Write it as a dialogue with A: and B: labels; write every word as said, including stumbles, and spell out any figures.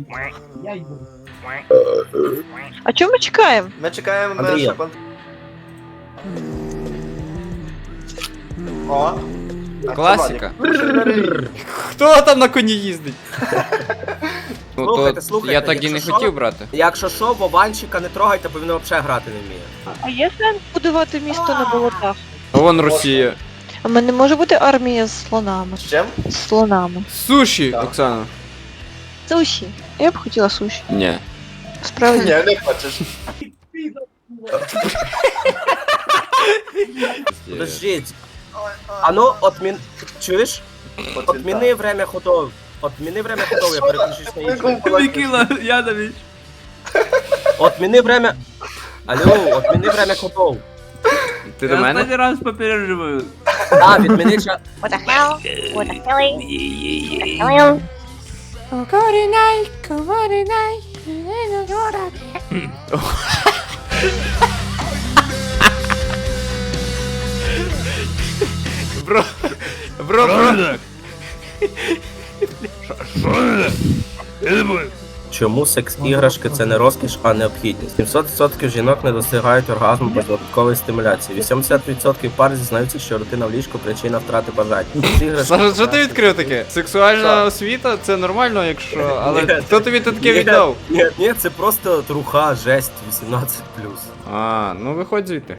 A: Я йду.
B: А чого ми чекаємо?
C: Ми чекаємо,
D: Андрія.
C: щоб... он- О!
E: Класика.
C: Автоматик.
E: Хто там на коні їздить? Ну
D: Слухайте,
E: то
D: слухайте,
E: я так і не
D: якщо
E: хотів
D: що-
E: брати.
D: Якщо що, Вованчика не трогайте, бо він взагалі грати не вміє.
B: А є сенс будувати місто на болотах?
E: А вон Росія.
B: А в мене може бути армія з слонами.
C: З чим?
B: З слонами.
E: Суші,
C: Так.
E: Оксана.
B: Суші. Я б хотіла суші.
E: Ні.
B: Справді.
C: Ні, не хочеш.
D: Подождіть. А ну, отмін... Чуєш? Отміни время ходов. Отміни время ходов, я переключусь на інше.
A: Микила Янович.
D: Отміни время... Алло, отміни время ходов.
E: Ти до
A: Я
E: мене?
A: останній раз попереджую.
D: А, відміни час.
F: What the hell? What the hell?
E: Бро. Бро, бро.
D: Чому секс-іграшки це не розкіш, а необхідність? сімсот відсотків жінок не досягають оргазму без додаткової стимуляції. вісімдесят відсотків пар зізнаються, що рутина в ліжку причина втрати бажань. Секс-іграшки-
E: Саша, що ти відкрив таке? Сексуальна освіта це нормально, якщо. Але
D: Ні.
E: хто тобі тут таке
D: Ні,
E: віддав?
D: Ні, ні, це просто труха, жесть, вісімнадцять плюс.
E: А, ну виходь звідти.